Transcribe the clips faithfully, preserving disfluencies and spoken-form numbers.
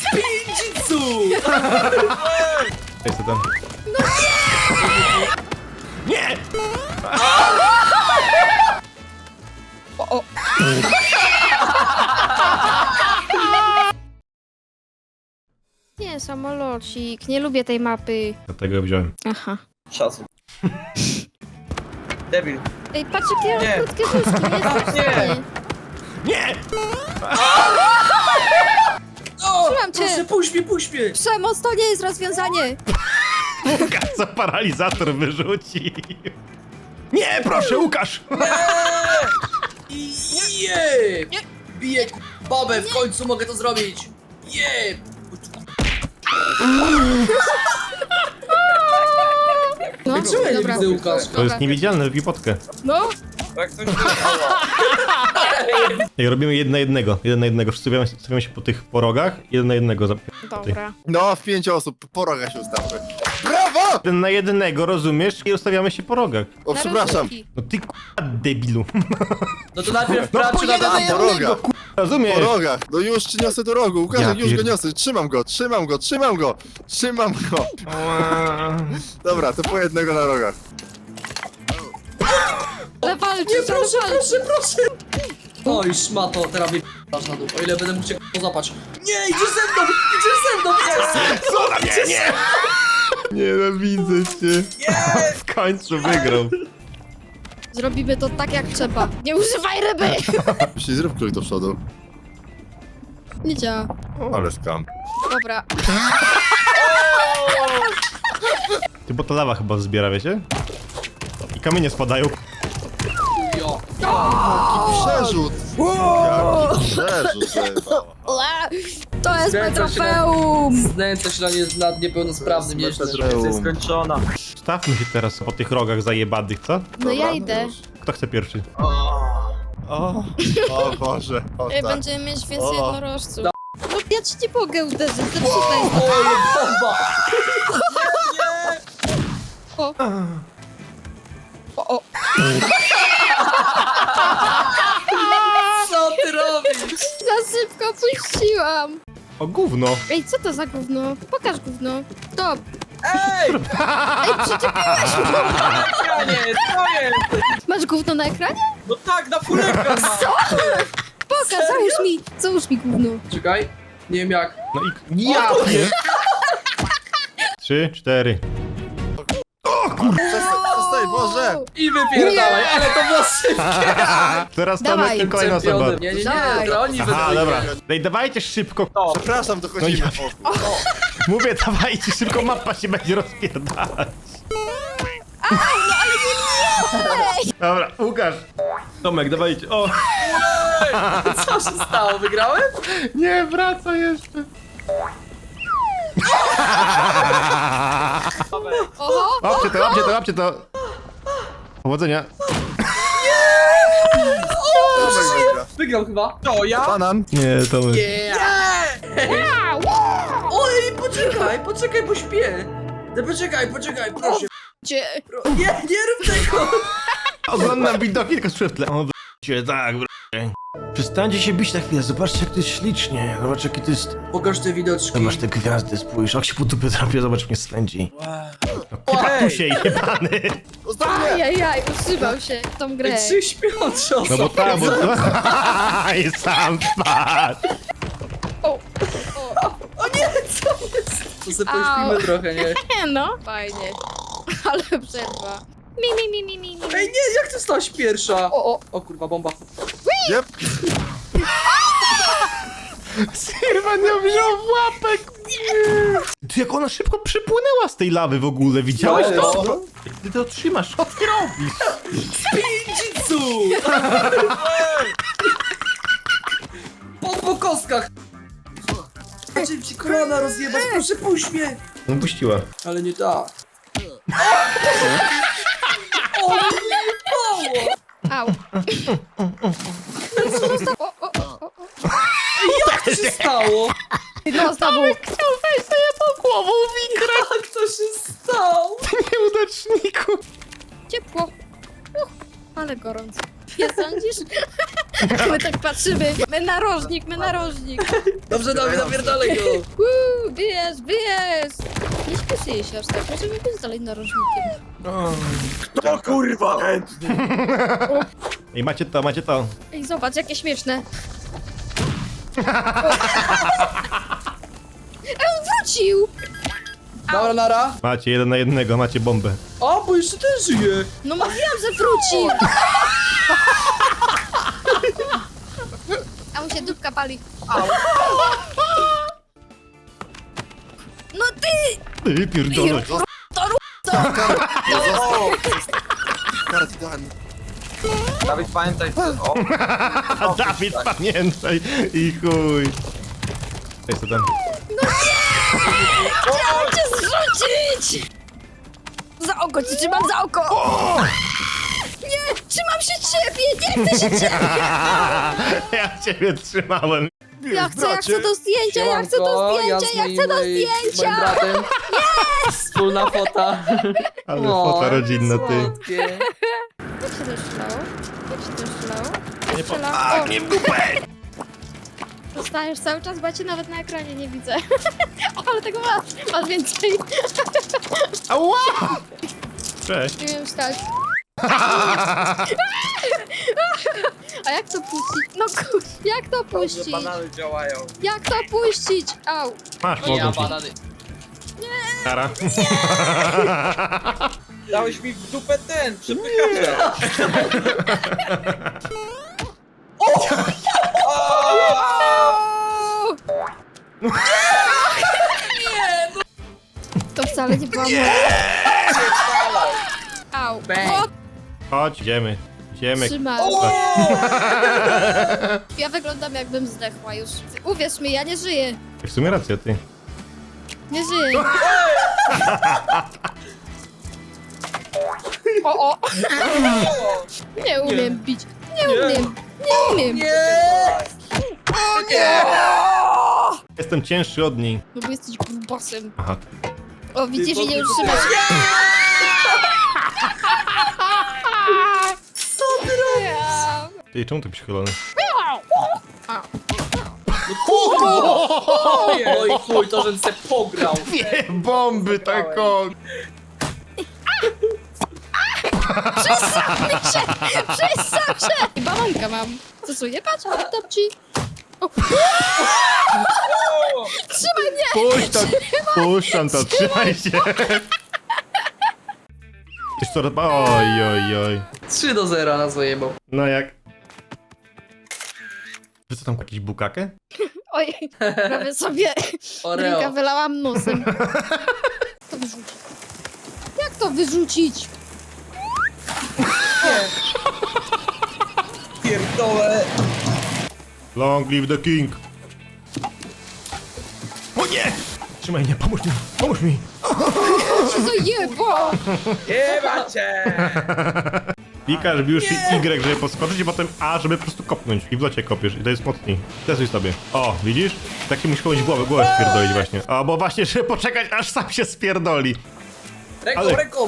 Spinjitsu! Ej, co tam? No nie! Nie! O, o. Nie, samolocik. Nie lubię tej mapy. Dlatego ją wziąłem. Aha. Szacun. Debil. Ej, patrz jakie ja Nie. mam krótkie nóżki. Jestem w Nie. stanie. Nie! O, Trzymam cię. proszę, puść mnie, puść mnie! Przemoc to nie jest rozwiązanie. Łukasz, co paralizator wyrzuci. Nie, proszę, Łukasz! I je! Biję k- babę, w końcu mogę to zrobić! Je! No, Czemu ja nie dobra. widzę, Łukasz? To jest niewidzialne, robi potkę. No, Tak coś Ej, robimy jeden na jednego. Jeden na jednego. Wszyscy stawiamy- stawiamy się po tych porogach. Jeden na jednego. zap- dobra. No, w pięć osób, po rogach się ustawmy. Brawo! Jeden na jednego, rozumiesz? I ustawiamy się po rogach. O, Na przepraszam. rozrywki. No ty k***a debilu. No to najpierw No pracy po na jeden na dam. Po jednego, rogach. k***a, rozumiesz? Po rogach. No już ci niosę do rogu. Łukasz, Ja już go pierd- niosę. Trzymam go, trzymam go, trzymam go. Trzymam go. Dobra, to po jednego na rogach. Ale walczy, Nie, proszę, ale walczy. proszę, proszę! Oj, szmato, teraz mnie p***asz na dół, o ile będę mógł cię k***a złapać. Nie, idziesz ze mną, idziesz ze mną, idziesz ze mną! Co na mnie? Nie! Nienawidzę cię. W końcu wygrał. Zrobimy to tak jak trzeba. Nie używaj ryby! Jeśli zrób krój do przodu. Nie działa. Ale skam. Dobra. Ty, bo to lawa chyba zbiera, wiecie? I kamienie spadają. Jo. Przerzut! Jaki przerzut! to jest. Ła! To jest moje Skręca się na- trofeum! Znęca się na nie, nad niepełnosprawnym nieźle. Trofeum. skończona. Stawmy się teraz po tych rogach zajebanych, co? No ja Dobra, idę. już. Kto chce pierwszy? O, o Boże, o Ej, tak. będziemy mieć więcej O. jednorożców. No ja ci nie mogę uderzyć, zepsuta jest. O, bomba! O. O, o. Co ty robisz? Za szybko puściłam. O gówno. Ej, co to za gówno? Pokaż gówno. Stop. Ej! Ej, przyczepiłeś mnie. Ekranie, co jest? Masz gówno na ekranie? No tak, na full ekran mam. Pokaż, załóż mi, załóż mi gówno. Czekaj, nie wiem jak. No i... Ja pier... Trzy, cztery. Przestań, przestań, Boże! I wypierdalaj, ale to było szybkie. Teraz Dawaj. Tomek i kolejna osoba. Czempionem. Nie, nie, nie, Dawaj. to oni Aha, będą dobra. wygrać. Ej, dawajcie szybko. Przepraszam, dochodzimy. No Mówię, dawajcie szybko, mapa się będzie rozpierdalać. Dobra, Łukasz. Tomek, dawajcie. O, Co się stało, wygrałem? nie, wraca jeszcze. Oho. Łapcie to, łapcie to, łapcie to. Powodzenia. Tomek wygra. Wygrał chyba. To ja? Banan. Nie, Tomek. Yeah. Oj, poczekaj, poczekaj, bo śpię. No poczekaj, poczekaj, proszę. Gdzie? Pro... Nie, nie rób tego. Oglądam widoki tylko słyszę w tle. O, w***cie, tak, w***cie. Przestańcie się bić na chwilę, zobaczcie jak to jest ślicznie. Zobacz jaki to jest... Pokaż te widoczki. Zobacz te gwiazdy, spójrz. Jak się po dupie trafię, zobacz mnie swędzi. No Ej. katusie jebany. Ostatnie! Ajajaj, utrzymał się w tą grę. Trzy śpiące osoby. No bo tak, bo... I sam spadł. O, o. O nie, co jest? To sobie pośpimy Au. trochę, nie? Nie no. Fajnie. Ale przerwa. Mi, mi, mi, mi, mi, mi. Ej, nie, jak ty stałaś pierwsza? O, o. O kurwa, bomba. Jep. Sirwa nie wziął w łapek. Ty, jak ona szybko przypłynęła z tej lawy w ogóle, widziałeś No, to? no. Jak ty to trzymasz, co ty robisz? Spinjitsu! Po, po kostkach. Zacząłem ci kolana rozjebać, proszę puść mnie. No puściła. Ale nie tak. O, nie pało! Au. O, o, o, o. Jak to się stało? No znowu. Chciał wejść sobie po głową wikrę. Jak to się stało? Ty nieudaczniku. Ciepło. Uch, ale gorąco. Nie sądzisz? My tak patrzymy. My narożnik, my narożnik. Dobrze, Dawid, napierdalaj go. Uuu, wyjazd, wyjazd. Nie śpieszy się aż tak, możemy być dalej narożnikiem. To kurwa chętnie. Ej, macie to, macie to. Ej, zobacz, jakie śmieszne. Ej, on wrócił! Dobra, nara. Macie jeden na jednego, macie bombę. O, bo jeszcze ten żyje. No mówiłam, że wrócił! A mu się dupka pali. No ty! Ty pierdolę. Karat idealny. Dawid, pamiętaj, o. A Dawid, pamiętaj i chuj. Ej, co tam? Chciałam cię zrzucić! Za oko cię trzymam, za oko! Nie, trzymam się ciebie, nie chcę się ciebie! Ja ciebie trzymałem. Ja chcę, ja chcę do zdjęcia, ja chcę do zdjęcia, ja chcę do Moim zdjęcia! bratem. Wspólna fota. Ale O, fota rodzinna, ty. słodkie. Jak się to strzelało? Jak się to strzelało? Nie po... Strzela- A, o. nie w dupę! Dostajesz cały czas, bo ja cię nawet na ekranie nie widzę. O, ale tego masz, masz więcej. Ała! Cześć. Nie wiem wstać. A jak to puścić? No kur... jak to puścić? Banany działają. Jak to puścić? Au. Masz, Ja mogę ci. banany. Kara. Dałeś mi w dupę ten, przepychacza. To wcale nie była moja. Au. Bang. O, Chodź, idziemy. Idziemy. trzymaj. Ja wyglądam jakbym zdechła już. Uwierz mi, ja nie żyję. W sumie racja, ty. Nie żyję. O, o. Nie umiem bić. Nie umiem. Nie umiem. Nie! Jestem cięższy od niej. No bo jesteś grubasem. Aha. O, widzisz, i nie Ty, utrzymasz. Co ty robisz? Ty, czemu tak przychylony? Oj, chuj, to żebym se pograł. Nie, bomby taką! Przestań się! I bananka mam. Co co, nie patrz, oddam ci. O. Trzymaj mnie! Puść to, puszczam to, trzymaj się! Tyś co, oj, oj, oj. trzy do zera na zajebał. No jak? Wy co tam, jakiś bukakę? Oj, prawie sobie drinka Oreo. wylałam nosem. To wyrzucić. Jak to wyrzucić? Pierdolę. Long live the king! O nie! Trzymaj mnie, pomóż mi, pomóż mi! Co za jebo! Jeba cię. Klikasz już Y, żeby podskoczyć i potem A, żeby po prostu kopnąć. I w locie kopiesz i to jest mocniej. Testuj sobie. O, widzisz? Taki musi kogoś głowę, głowę spierdolić właśnie. O, bo właśnie, żeby poczekać aż sam się spierdoli. Ręką, Ale- ręką.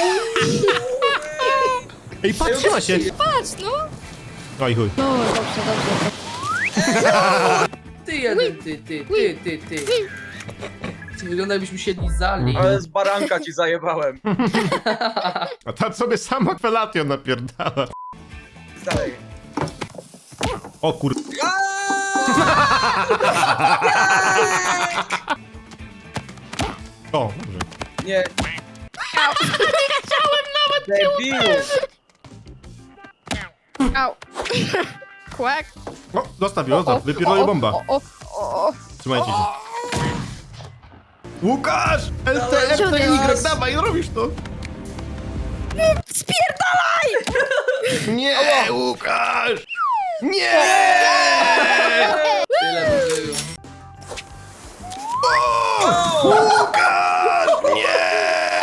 Ej, patrz, trzyma się! Patrz, no! Oj chuj. No, dobrze, dobrze. Ty jeden, ty, ty, ty, ty, ty. Ty wygląda jakbyśmy siedli za nim. Ale z baranka ci zajebałem. A ta sobie sama felatio napierdala. Dalej. O kur... O, dobrze. Nie. Debilu. Au. Kłak. O, zostaw ją, zostaw, wypierdolę bomba. O, o, o, o. Trzymajcie się. Łukasz! L T F T Y, dawaj, robisz to! Spierdalaj! Nie, Łukasz! Nie! Tyle by było. Łukasz! Nie!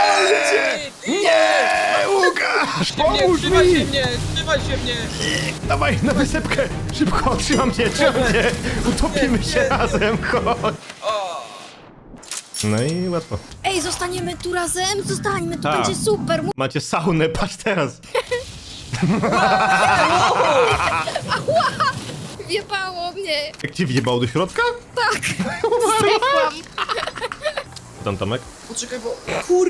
Nie! Łukasz! Nie, Pomóż trzymaj się mi! mnie, trzymaj się mnie. Dawaj, na wysepkę! Szybko, trzymam cię, trzymam cię! Utopimy się razem, chodź! O. No i łatwo. Ej, zostaniemy tu razem, zostańmy, to Tak. będzie super. Mu- Macie saunę, patrz teraz! Ała! wjebało mnie. Jak cię wjebało do środka? Tak. Zdechłam. Tam Tomek? Poczekaj, bo... Kur...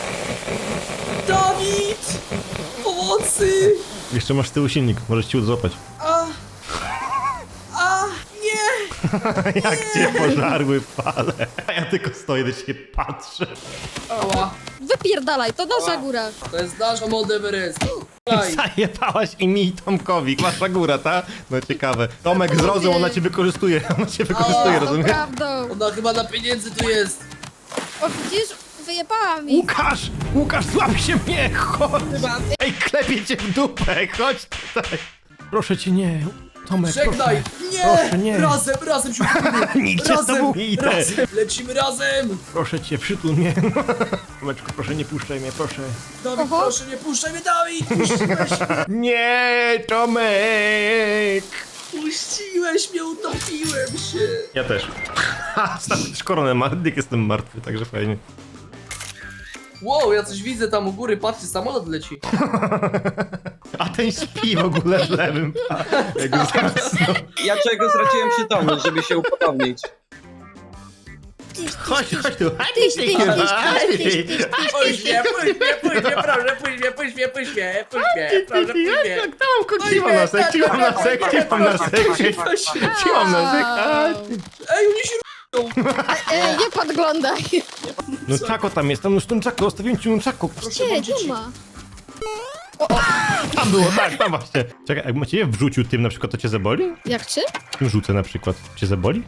Dawid! Pomocy! Jeszcze masz z tyłu silnik, możesz ci złapać. A... A... Nie! Jak cię pożarły fale. A ja tylko stoję do ciebie patrzę. Ała. Wypierdalaj, to nasza góra. To jest nasza Mount Everest. Daj. Zajebałaś i mi i Tomkowi. Wasza góra, ta? No ciekawe. Tomek, zrozum, ona cię wykorzystuje. Ona cię wykorzystuje, A, To rozumiesz? prawdą. Ona chyba na pieniędzy tu jest. O, widzisz? Wyjebała mi. Łukasz! Łukasz, złap się mnie! Chodź! Ej, klepie cię w dupę! Chodź tutaj! Proszę cię, nie. Tomek, Żegnaj! proszę. Nie! Proszę, nie. Razem, razem się Nigdzie z tobą Razem, nie idę. razem! Lecimy razem! Proszę cię, przytul mnie. Tomeczku, proszę, nie puszczaj mnie, proszę. Dawid, Oho. proszę, nie puszczaj mnie, Dawid! Puściłeś, Nie, Tomek! puściłeś mnie, utopiłem się! Ja też. Ha, stary, też koronę ma, jak jestem martwy, także fajnie. Wow, ja coś widzę tam u góry, patrzcie, samolot leci. A ten śpi w ogóle w lewym. Jak go zasnął. Ja czego straciłem przytomność, żeby się upodobnić. Tyś, Chodź, chodź tu. tyś, tyś, tyś, tyś, tyś, tyś, tyś, Puść mnie, puść mnie, puść mnie, proszę, puść mnie, puść mnie, puść mnie, puść mnie, proszę, puść mnie. Jak tam mam kończyłam na sek, ciłam na sek, ciłam na sek, ciłam na sek. A, Ej, oni się E, nie podglądaj. no czako tam jest, tam już ten czako, zostawiłem ci czako. Gdzie? Nie ma. Tam było, tak, tam właśnie. Czekaj, jakbym cię wrzucił tym na przykład, to cię zaboli? Jak czym? Tym rzucę na przykład, cię zaboli?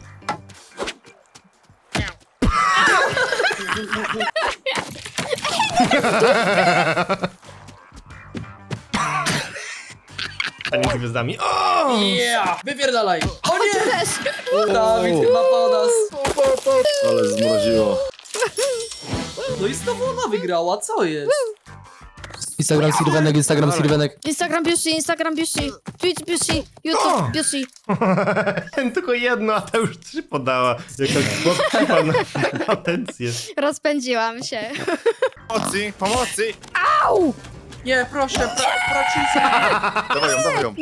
A nie z gwiazdami. O! Yeah! Wypierdalaj! O nie! Też. Dawid chyba po nas. Ale zmroziło. No i znowu ona wygrała, co jest? Instagram Sirwenek, Instagram Sirwenek. Instagram Biushi, Instagram Biushi, Twitch Biushi, O! YouTube Biushi. Tylko jedno, a ta już trzy podała. Jaka chłopczywa na atencję. Rozpędziłam się. Pomocy, pomocy! Au! Nie, proszę, pra, pracisz. Dawaj ją, dawaj ją.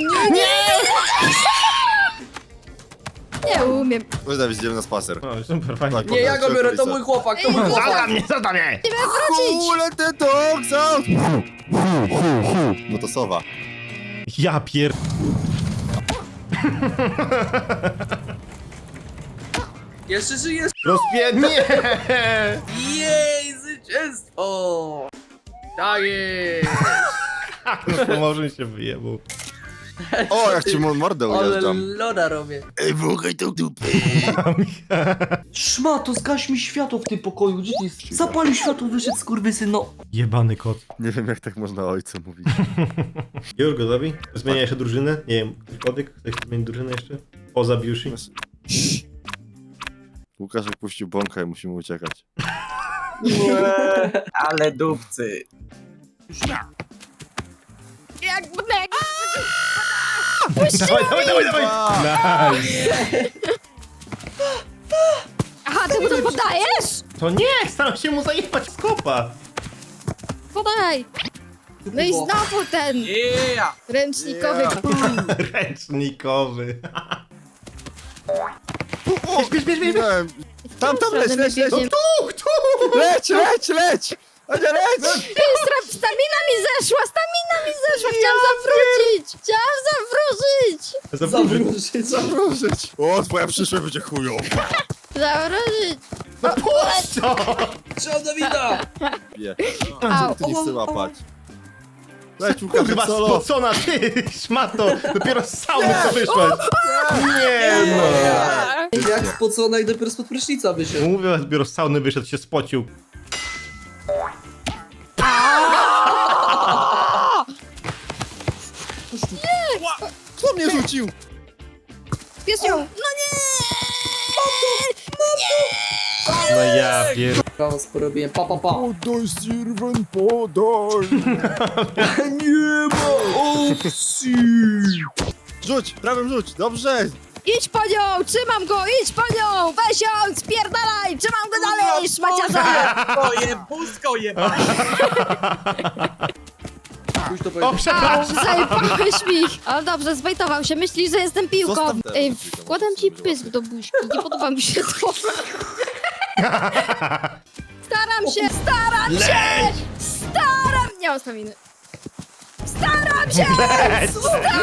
Nie umiem. Chodź Dawid, idziemy na spacer. O, super, fajnie. Tak. Nie, ja go biorę, to mój chłopak, to mój Zadam chłopak. mnie, zadam mnie! Nie miałem wrócić. Kule te dogs out! No to sowa. Ja pier... Jeszcze żyjesz? Rozpie... Nie! Jej, zwycięstwo! Tak jest! No to może się wyjebał. O, jak ci mu mordę Ale ujeżdżam. loda robię. Ej, włókaj tą dupę. Szmato, zgaś mi światło w tym pokoju, gdzie ty jest? Zapalił światło, wyszedł skurwysyn, no. Jebany kot. Nie wiem, jak tak można ojcu mówić. Już gotowi? Zmienia jeszcze drużynę? Nie wiem, Kodyk? Chcesz zmienić drużynę jeszcze? Poza Biushi? Łukaszek puścił bąka i musimy uciekać. Ale dupcy. Jak bnek. Dawaj, dawaj, dawaj, dawaj! A, Nice! Aha, ty mu to podajesz? To nie! Staram się mu zajebać z kopa! Podaj. No i znowu ten Yeah! ręcznikowy Yeah. kół. Ręcznikowy. o, bierz, bierz, bierz, bierz. Tam, tam, leć, leć, leć. Biegniemy. Tuch, tuch! Leć, leć, leć! Ania, leć! Stra- Stamina mi zeszła, stamina mi zeszła, chciałam zawrócić! Chciałam zawrócić! Zawrócić. Zawróżyć. O, twoja przyszłość będzie chujowa. Zawrócić! Co? Trzeba Dawida! Nie, Au. ty nie chcę łapać. Leć, Łukaszek, Kurwa solo. spocona, ty szmato! Dopiero z sauny co wyszłaś! Nie no! Jak spocona i dopiero spod prysznica wyszedł. Mówię, dopiero z sauny wyszedł, się spocił. Kto mnie rzucił? Pies ją! No nie! No ja pier... Chaos porobiłem, pa pa pa. Podaj, Sirwen, podaj. Nie ma opcji! Rzuć, prawym rzuć, dobrze. Idź po nią! Trzymam go! Idź po nią! Weź ją! Spierdalaj! Trzymam go dalej! Szmaciarza! Oje, pusko jeba! to O, powiedzieć. Au, przepraszam! zajebałeś mi! Ale dobrze, zbejtował się, myśli, że jestem piłką. Zostaw te Ej, piłkę, bo wkładam to ci było. pysk do buźki, nie podoba mi się to. Staram się, staram się! Staram! Nie mam staminy. Staram się! Leć!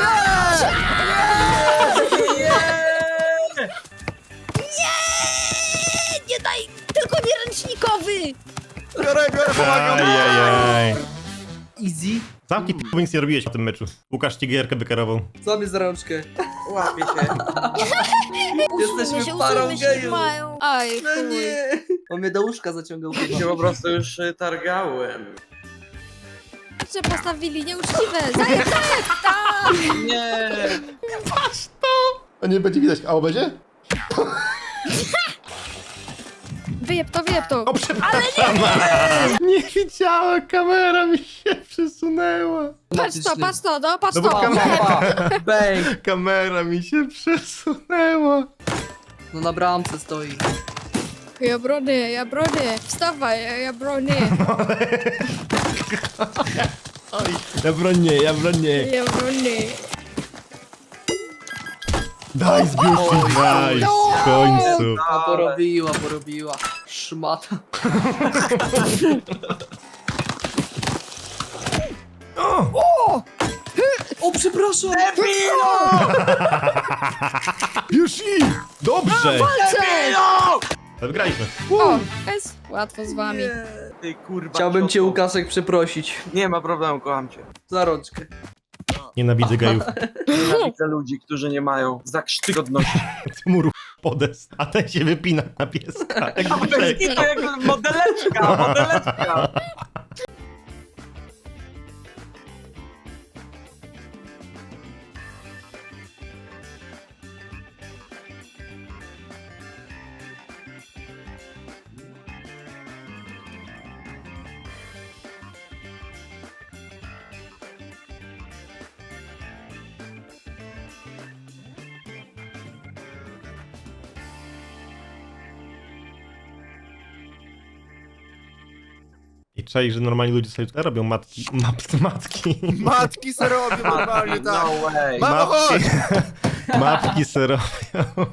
Nie, nie daj! Tylko nie ręcznikowy! Biorę, biorę, pomagam! Ajajaj. Easy. Zamki p***, nic nie robiłeś w tym meczu. Łukasz ci gierkę wykarował. Co mnie za rączkę? Łapie się. Jesteśmy się, parą usuńmy się, gejów. mają. Aj, No chuj. nie. On mnie do łóżka zaciągał. Się po prostu już y, targałem. Że postawili nieuczciwe. Zajeb, zajeb! Tak! Nie! A nie będzie widać, a o będzie? Wyjeb to, wyjeb to. O, przepraszam! Nie, nie widziałem, kamera mi się przesunęła. Patrz to, patrz to, no patrz No bo to. kam- Pa, pa. Bang. Kamera mi się przesunęła. No na bramce stoi. Ja bronię, ja bronię. Wstawaj, ja, ja bronię. Oj, ja bronię, ja bronię. Ja bronię. Daj, zbiórki, daj, w końcu. A porobiła, porobiła. Szmata. O, przepraszam! Już i! Dobrze! Cześć! Wygraliśmy. O, jest łatwo z wami. Ty kurwa. Chciałbym cię, cioto. Łukaszek, przeprosić. Nie ma problemu, kocham cię. Za rączkę. Nienawidzę gejów. Nienawidzę ludzi, którzy nie mają zakrzty godności. Ty mu ruch podest, a ten się wypina na pieska. Jak To grzech. jest jak modeleczka, modeleczka. I czaj, że normalni ludzie sobie tutaj robią matki. Map, matki. Matki se robią normalnie, tak. No way. Mamo, chodź! Mapki se robią.